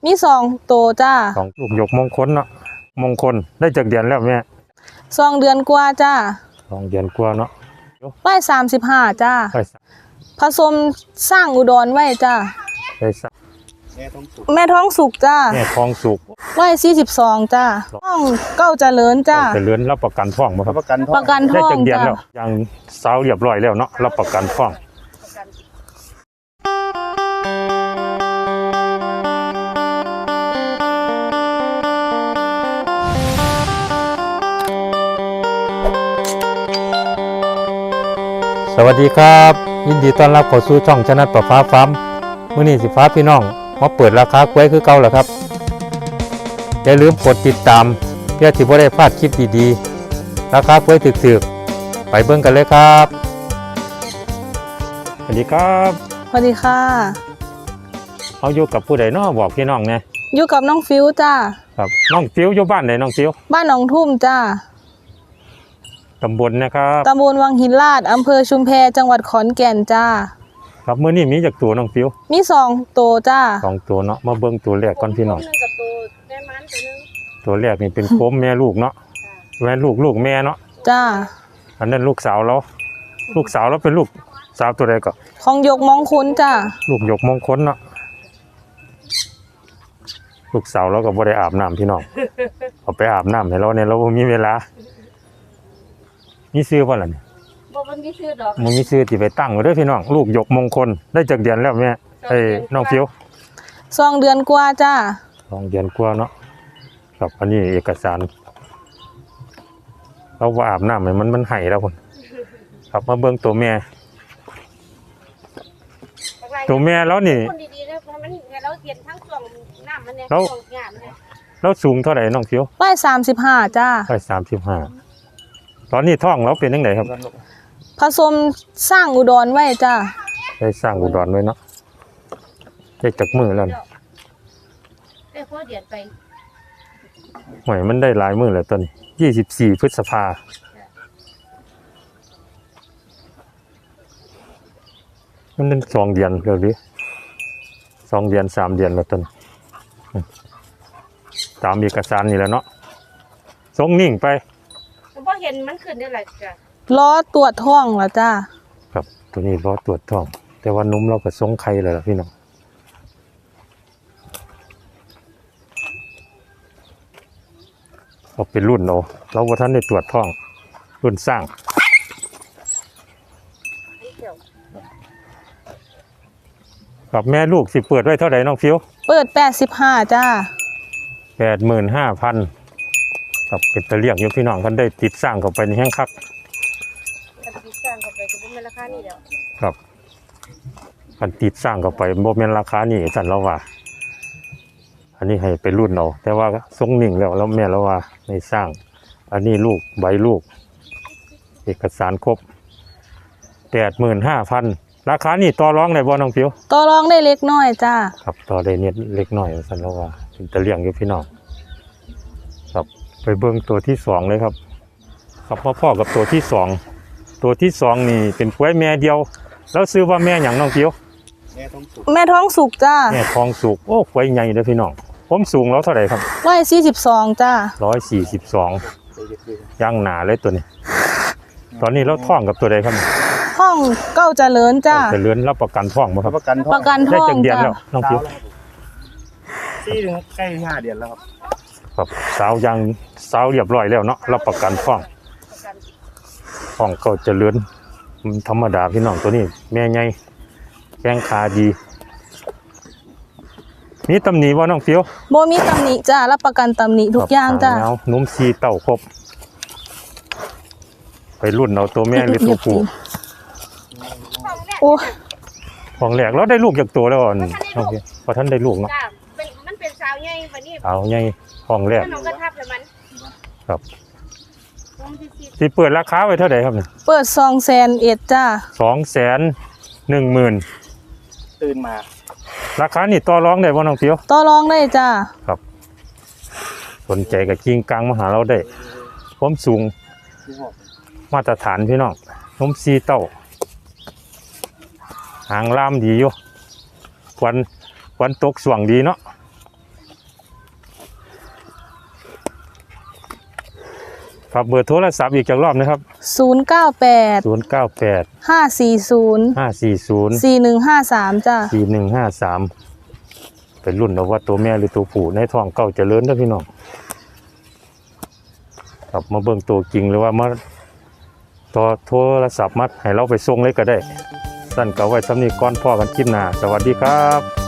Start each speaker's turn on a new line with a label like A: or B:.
A: มี2 ตัวจ้า
B: 2ลูกหยกมงคลเนาะมงคลได้จากเดือนแล้วแม่
A: 2 เดือนกว่าจ้า
B: 2 เดือนกว่าเนาะ
A: 135จ้า
B: ไป
A: ผสมสร้างอุดรไว้จ้า
B: ไป
A: แม่ท้องสุกจ้า
B: แม่ท้องสุก
A: 142จ้าท้องเก้าเจริญจ้า
B: เจริญรับประกันท้องบ่ครับ
A: ประกันท้อง
B: ได้จากเดือนแล้วยังสาวเรียบร้อยแล้วเนาะรับประกันท้องสวัสดีครับยินดีต้อนรับเข้าสู่ช่องชนะประฟ้าฟาร์มมื้อนี้สิฟ้าพี่น้องมาเปิดราคากล้วยคือเก่าแล้วครับอย่าลืมกดติดตามเพื่อที่บ่ได้พลาดคลิปดีๆราคากล้วยถึกๆไปเบิ่งกันเลยครับสวัสดีครับ
A: สวัสดีค่ะ
B: เอาอยู่กับผู้ใดเนาะบอกพี่น้องแน่
A: อยู่กับน้องฟิวจ้า
B: ครับน้องฟิวอยู่บ้านไหนน้องฟิว
A: บ้านหนองทุ่มจ้า
B: ตำบลนะครับ
A: ตำบลวังหินลาดอำเภอชุมแพจังหวัดขอนแก่นจ้า
B: ครับมื้อนี้มีจักตัวน้องฟิว
A: มี2 ตัวจ้า
B: 2 ตัวเนาะมาเบิ่งตัวแรกก่อนพี่น้องตัวแรกนี่เป็นโคมแม่ลูกเนาะแม่ลูกแม่เนาะ
A: จ้า
B: อันนั้นลูกสาวเราเป็นลูกสาวตัวใดก็
A: ของยกมงคลจ้า
B: ลูกหยกมงคลเนาะลูกสาวเราก็บ่ได้อาบน้ำพี่น้องเอาไปอาบน้ำให้เราเนี่ยเราบ่มีเวลามีซื้อบ่ล่ะนี่
A: บ่มันมีซื้อดอก
B: มันมีซื้อที่ไปตั้งไว้เด้อพี่น้องลูกหยกมงคลได้จากเดือนแล้วแม่น้องฟิว
A: 2 เดือนกว่าจ้า
B: 2 เดือนกว่าเนาะครับอันนี้เอกสารเราว่าอาบน้ำให้มันให้แล้วพุ่นครับมาเบิ่งตัวแม่แล้วนี่เราสูงเท่าไหร่น้องฟิว
A: 135จ้า
B: 135ตอนนี้ท้องเราเป็นจังไดครับ
A: ผสมสร้างอุดรไว้จ้า
B: ได้สร้างอุดรไว้เนาะได้จักมือแล้ว
A: ได้พอเดือนไป
B: หวยมันได้หลายมือแล้วตอนนี้24 พฤษภามันเป็น2 เดือนแล้วดิ2 เดือน3 เดือนแล้วตอนตามเอกสารนี่แหละเนาะส่งนิ่งไป
A: บ่เห็นมันขึ้นได้หลายจ้ะล้อตรวจท้องแล้วจ้า
B: ครับตัวนี้ล้อตรวจท้องแต่ว่านุ่มเราก็ส่งไข่แล้วล่ะพี่น้องเอาเป็นรุ่นเอาเราว่าท่านได้ตรวจท้องรุ่นสร้างกับแม่ลูกสิเปิดไว้เท่าไหร่น้องฟิว
A: เปิด85จ้า
B: 85,000ครับเป็นตะเลียงอยู่พี่น้องท่านได้ติดสร้างเข้าไปในแห้งคัก
A: ติดสร้างเข้าไปก็บ่แม่นราคานี้แล้ว
B: ครับคันติดสร้างเข้าไปบ่แม่นราคานี้สั่นเราว่าอันนี้ให้ไปรุ่นเอาแต่ว่าทรงนิ่งแล้วแม่เราว่าในสร้างอันนี้ลูกใบลูกเอกสารครบ85,000ราคานี่ต่อรองได้บ่น้องฟิว
A: ต่อรองได้เล็กน้อยจ้า
B: ครับต่อได้นิดเล็กน้อยสั่นเราว่าเป็นตะเลียงอยู่พี่น้องครับไปเบิ่งตัวที่2เลยครับครับพ่อกับตัวที่2นี่เป็นกล้วยแม่เดียวแล้วซื้อว่าแม่หยังน้องฟิว
A: แม่ท้องสุกจ้า
B: แม่ท้องสุกโอ้กล้วยใหญ่เด้อพี่น้องผมสูงแล้วเท่าไหร่ครับ
A: 142จ้า
B: 142ย่างหนาเลยตัวนี้ตอนนี้เราท้องกับตัวใดครับ
A: ท้องเก้าเจริญจ้า
B: เจริญรับประกันท้องบ่ครับ
A: ประกันท้อง
B: ได้จักเดือนแล้วน้องฟิว
C: ใกล้5 เดือนแล้ว
B: ครับสาวเรียบร้อยแล้วเนาะรับประกันท้องก็เจริญธรรมดาพี่น้องตัวนี้แม่ใหญ่แข้งขาดีมีตำหนิบ่น้องฟิว
A: บ่มีตำหนิจ้ารับประกันตำหนิทุกอย่างจ้า
B: นุ่มซีเต้าครบไปรุ่นเอาตัวแม่หรือตัวผู้
A: โอ้
B: ของแหลกแล้วได้ลูกจากตัวแล้วน้องฟิวพอท่านได้ลูกเนาะ
A: มันเป็นสาวใหญ่บัดนี้
B: สาวใหญ่ของแหลกครับสิเปิดราคาไว้เท่าไหร่ครับเนี่ย
A: เปิด200,000จ้า
B: 210,000
C: ตื่นมา
B: ราคานี่ต่อรองได้บ่น้องฟิว
A: ต่อรองได้จ้า
B: ครับสนใจกับกิ้งกลางมาหาเราได้ความสูงมาตรฐานพี่น้องนมซีเต้าหางล่ามดีอยู่ควันตกสว่างดีเนาะฝากเบอร์โทรศัพท์อีกจักรอบนะครับ
A: 098
B: 098
A: 540
B: 540
A: 4153จ้ะ
B: 4153เป็นรุ่นเอาว่าตัวแม่หรือตัวผู้ในท้องเก่าเจริญเด้อพี่น้องครับมาเบิ่งตัวจริงหรือว่ามาต่อโทรศัพท์มัดให้เราไปส่งเลยก็ได้สั้นก็ไว้สำนี้ก่อนพ่อกันคลิปหน้าสวัสดีครับ